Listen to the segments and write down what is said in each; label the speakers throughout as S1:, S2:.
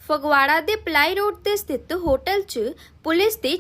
S1: ਫਗਵਾੜਾ ਦੇ ply road ਤੇ ਸਥਿਤ ਹੋਟਲ 'ਚ ਪੁਲਿਸ ਦੀ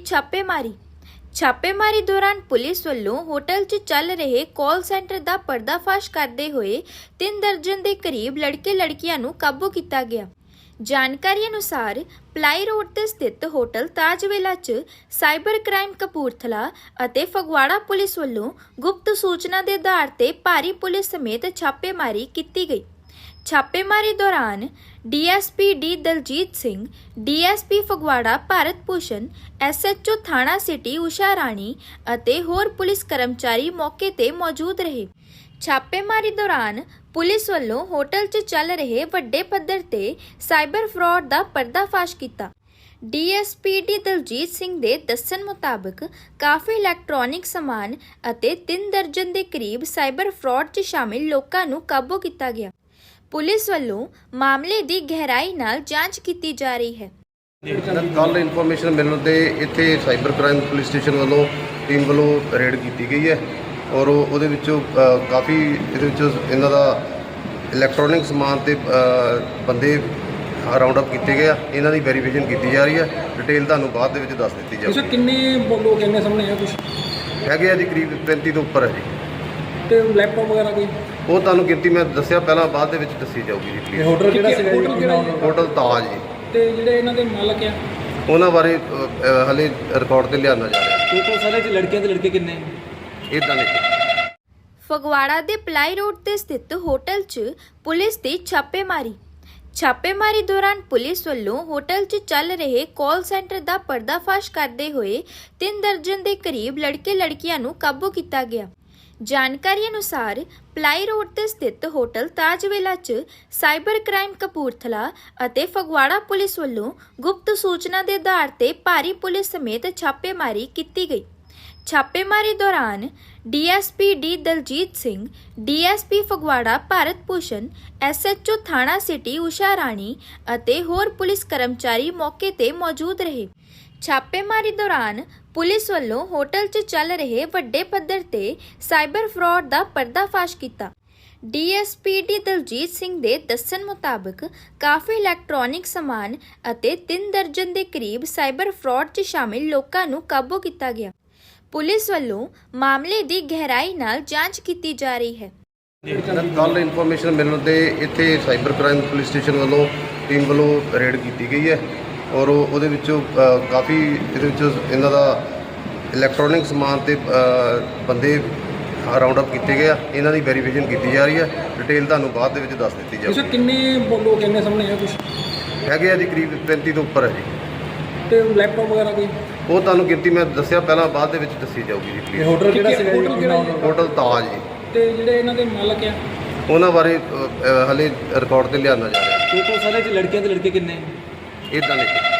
S1: ਛਾਪੇਮਾਰੀ ਦੌਰਾਨ ਪੁਲਿਸ ਵੱਲੋਂ ਹੋਟਲ 'ਚ ਚੱਲ ਰਹੇ ਕਾਲ ਸੈਂਟਰ ਦਾ ਪਰਦਾਫਾਸ਼ ਕਰਦੇ ਹੋਏ 3 ਦਰਜਨ ਦੇ ਕਰੀਬ ਲੜਕੇ ਲੜਕੀਆਂ ਨੂੰ ਕਾਬੂ ਕੀਤਾ ਗਿਆ। ਜਾਣਕਾਰੀ ਅਨੁਸਾਰ ਪਲਾਈ ਰੋਡ ਤੇ ਸਥਿਤ ਹੋਟਲ ਤਾਜਵੇਲਾ 'ਚ ਸਾਈਬਰ ਕ੍ਰਾਈਮ ਕਪੂਰਥਲਾ ਅਤੇ ਫਗਵਾੜਾ ਪੁਲਿਸ ਵੱਲੋਂ ਗੁਪਤ ਸੂਚਨਾ ਦੇ ਆਧਾਰ ਤੇ ਭਾਰੀ ਪੁਲਿਸ ਸਮੇਤ ਛਾਪੇਮਾਰੀ ਕੀਤੀ ਗਈ। ਛਾਪੇਮਾਰੀ ਦੌਰਾਨ DSP D Daljit Singh, DSP Phagwara Bharat Bhushan, SHO ਥਾਣਾ ਸਿਟੀ ਊਸ਼ਾ ਰਾਣੀ ਅਤੇ ਹੋਰ ਪੁਲਿਸ ਕਰਮਚਾਰੀ ਮੌਕੇ ਤੇ ਮੌਜੂਦ ਰਹੇ। ਛਾਪੇਮਾਰੀ ਦੌਰਾਨ ਪੁਲਿਸ ਵੱਲੋਂ ਹੋਟਲ 'ਚ ਚੱਲ ਰਹੇ ਵੱਡੇ ਪੱਧਰ ਤੇ ਸਾਈਬਰ ਫਰਾਡ ਦਾ ਪਰਦਾਫਾਸ਼ ਕੀਤਾ। ਡੀਐਸਪੀ ਡੀ ਦਲਜੀਤ ਸਿੰਘ ਦੇ ਦੱਸਣ ਮੁਤਾਬਕ ਕਾਫੀ ਇਲੈਕਟ੍ਰੋਨਿਕ ਸਮਾਨ ਅਤੇ 3 ਦਰਜਨ ਦੇ ਕਰੀਬ ਸਾਈਬਰ ਫਰਾਡ 'ਚ ਸ਼ਾਮਿਲ ਲੋਕਾਂ ਨੂੰ ਕਾਬੂ ਕੀਤਾ ਗਿਆ। ਪੁਲਿਸ ਵੱਲੋਂ ਮਾਮਲੇ ਦੀ ਗਹਿਰਾਈ ਨਾਲ ਜਾਂਚ ਕੀਤੀ ਜਾ ਰਹੀ ਹੈ।
S2: ਕੱਲ ਇਨਫੋਰਮੇਸ਼ਨ ਮਿਲਣ ਤੇ ਇੱਥੇ ਸਾਈਬਰ ਕ੍ਰਾਈਮ ਪੁਲਿਸ ਸਟੇਸ਼ਨ ਵੱਲੋਂ ਟੀਮ ਵੱਲੋਂ ਰੇਡ ਕੀਤੀ ਗਈ ਹੈ ਔਰ ਉਹਦੇ ਵਿੱਚੋਂ ਕਾਫੀ ਇਹਨਾਂ ਦਾ ਇਲੈਕਟ੍ਰੋਨਿਕ ਸਮਾਨ ਤੇ ਬੰਦੇ ਰਾਉਂਡ ਅਪ ਕੀਤੇ ਗਏ ਆ। ਇਹਨਾਂ ਦੀ ਵੈਰੀਫਿਕੇਸ਼ਨ ਕੀਤੀ ਜਾ ਰਹੀ ਹੈ। ਡਿਟੇਲ ਤੁਹਾਨੂੰ ਬਾਅਦ ਦੇ ਵਿੱਚ ਦੱਸ ਦਿੱਤੀ ਜਾਵੇਗੀ।
S3: ਅੱਛਾ, ਕਿੰਨੇ ਲੋਕ ਇੰਨੇ ਸਾਹਮਣੇ ਆ? ਕੁਝ
S2: ਹੈਗੇ ਆ ਜੀ, ਕਰੀਬ 35 ਤੋਂ ਉੱਪਰ ਹੈ ਜੀ।
S3: ਤੇ ਲੈਪਟਾਪ ਵਗੈਰਾ ਕੋਈ?
S2: ਉਹ ਤੁਹਾਨੂੰ ਗਿਣਤੀ ਮੈਂ ਦੱਸਿਆ ਪਹਿਲਾਂ, ਬਾਅਦ ਦੇ ਵਿੱਚ ਦੱਸੀ ਜਾਊਗੀ ਜੀ ਪਲੀਜ਼।
S3: ਹੋਟਲ ਕਿਹੜਾ ਸੀਗਾ?
S2: ਹੋਟਲ ਤਾਜ ਜੀ।
S3: ਤੇ ਜਿਹੜੇ ਇਹਨਾਂ ਦੇ ਮਾਲਕ ਆ
S2: ਉਹਨਾਂ ਬਾਰੇ ਹਲੇ ਰਿਕਾਰਡ ਤੇ ਲਿਆਉਣਾ ਜਾ ਰਿਹਾ।
S3: ਟੋਟਲ ਸਾਰੇ ਚ ਲੜਕੀਆਂ ਤੇ ਲੜਕੇ ਕਿੰਨੇ?
S2: ਇਦਾਂ ਨਹੀਂ।
S1: ਫਗਵਾੜਾ ਦੇ ਪਲਾਈ ਰੋਡ ਤੇ ਸਥਿਤ ਹੋਟਲ 'ਚ ਪੁਲਿਸ ਦੀ ਛਾਪੇਮਾਰੀ ਦੌਰਾਨ ਪੁਲਿਸ ਵੱਲੋਂ ਹੋਟਲ 'ਚ ਚੱਲ ਰਹੇ ਕਾਲ ਸੈਂਟਰ ਦਾ ਪਰਦਾਫਾਸ਼ ਕਰਦੇ ਹੋਏ 3 ਦਰਜਨ ਦੇ ਕਰੀਬ ਲੜਕੇ ਲੜਕੀਆਂ ਨੂੰ ਕਾਬੂ ਕੀਤਾ ਗਿਆ। ਜਾਣਕਾਰੀ ਅਨੁਸਾਰ ਪਲਾਈ ਰੋਡ ਤੇ ਸਥਿਤ ਹੋਟਲ ਤਾਜਵੇਲਾ 'ਚ ਸਾਈਬਰ ਕ੍ਰਾਈਮ ਕਪੂਰਥਲਾ ਅਤੇ ਫਗਵਾੜਾ ਪੁਲਿਸ ਵੱਲੋਂ ਗੁਪਤ ਸੂਚਨਾ ਦੇ ਆਧਾਰ ਤੇ ਭਾਰੀ ਪੁਲਿਸ ਸਮੇਤ ਛਾਪੇਮਾਰੀ ਕੀਤੀ ਗਈ। ਛਾਪੇਮਾਰੀ ਦੌਰਾਨ DSP D Daljit Singh, DSP Phagwara Bharat Bhushan, SHO ਥਾਣਾ ਸਿਟੀ ਊਸ਼ਾ ਰਾਣੀ ਅਤੇ ਹੋਰ ਪੁਲਿਸ ਕਰਮਚਾਰੀ ਮੌਕੇ ਤੇ ਮੌਜੂਦ ਰਹੇ। ਛਾਪੇਮਾਰੀ ਦੌਰਾਨ ਪੁਲਿਸ ਵੱਲੋਂ ਹੋਟਲ 'ਚ ਚੱਲ ਰਹੇ ਵੱਡੇ ਪੱਧਰ ਤੇ ਸਾਈਬਰ ਫਰਾਡ ਦਾ ਪਰਦਾਫਾਸ਼ ਕੀਤਾ। ਡੀਐਸਪੀ ਡੀ ਦਲਜੀਤ ਸਿੰਘ ਦੇ ਦੱਸਣ ਮੁਤਾਬਕ ਕਾਫੀ ਇਲੈਕਟ੍ਰੋਨਿਕ ਸਮਾਨ ਅਤੇ 3 ਦਰਜਨ ਦੇ ਕਰੀਬ ਸਾਈਬਰ ਫਰਾਡ 'ਚ ਸ਼ਾਮਿਲ ਲੋਕਾਂ ਨੂੰ ਕਾਬੂ ਕੀਤਾ ਗਿਆ। ਪੁਲਿਸ ਵੱਲੋਂ ਮਾਮਲੇ ਦੀ ਗਹਿਰਾਈ ਨਾਲ ਜਾਂਚ ਕੀਤੀ ਜਾ ਰਹੀ ਹੈ।
S2: ਕੱਲ ਇਨਫੋਰਮੇਸ਼ਨ ਮਿਲਣ ਤੇ ਇੱਥੇ ਸਾਈਬਰ ਕ੍ਰਾਈਮ ਪੁਲਿਸ ਸਟੇਸ਼ਨ ਵੱਲੋਂ ਟੀਮ ਵੱਲੋਂ ਰੇਡ ਕੀਤੀ ਗਈ ਹੈ ਔਰ ਉਹਦੇ ਵਿੱਚੋਂ ਕਾਫੀ ਇਹਨਾਂ ਦਾ ਇਲੈਕਟ੍ਰੋਨਿਕ ਸਮਾਨ ਤੇ ਬੰਦੇ ਰਾਉਂਡ ਅਪ ਕੀਤੇ ਗਏ ਆ। ਇਹਨਾਂ ਦੀ ਵੈਰੀਫਿਕੇਸ਼ਨ ਕੀਤੀ ਜਾ ਰਹੀ ਹੈ। ਡਿਟੇਲ ਤੁਹਾਨੂੰ ਬਾਅਦ ਦੇ ਵਿੱਚ ਦੱਸ ਦਿੱਤੀ ਜਾਵੇਗੀ।
S3: ਅੱਛਾ, ਕਿੰਨੇ ਲੋਕ ਇੰਨੇ ਸਾਹਮਣੇ ਆ? ਕੁਝ
S2: ਹੈਗੇ ਆ ਜੀ, ਕਰੀਬ 35 ਤੋਂ ਉੱਪਰ ਹੈ ਜੀ।
S3: ਤੇ ਲੈਪਟਾਪ ਵਗੈਰਾ ਕੋਈ?
S2: ਉਹ ਤੁਹਾਨੂੰ ਗਿਣਤੀ ਮੈਂ ਦੱਸਿਆ ਪਹਿਲਾਂ, ਬਾਅਦ ਦੇ ਵਿੱਚ ਦੱਸੀ ਜਾਊਗੀ ਜੀ ਪਲੀਜ਼।
S3: ਹੋਟਲ ਕਿਹੜਾ ਸੀਗਾ?
S2: ਹੋਟਲ ਤਾਜ ਜੀ।
S3: ਤੇ ਜਿਹੜੇ ਇਹਨਾਂ ਦੇ ਮਾਲਕ ਆ
S2: ਉਹਨਾਂ ਬਾਰੇ ਹਲੇ ਰਿਕਾਰਡ ਤੇ ਲਿਆਉਣਾ ਜਾ ਰਿਹਾ।
S3: ਟੋਟਲ ਸਾਰੇ ਚ ਲੜਕੀਆਂ ਤੇ ਲੜਕੇ ਕਿੰਨੇ?
S2: ਇਦਾਂ ਨਹੀਂ।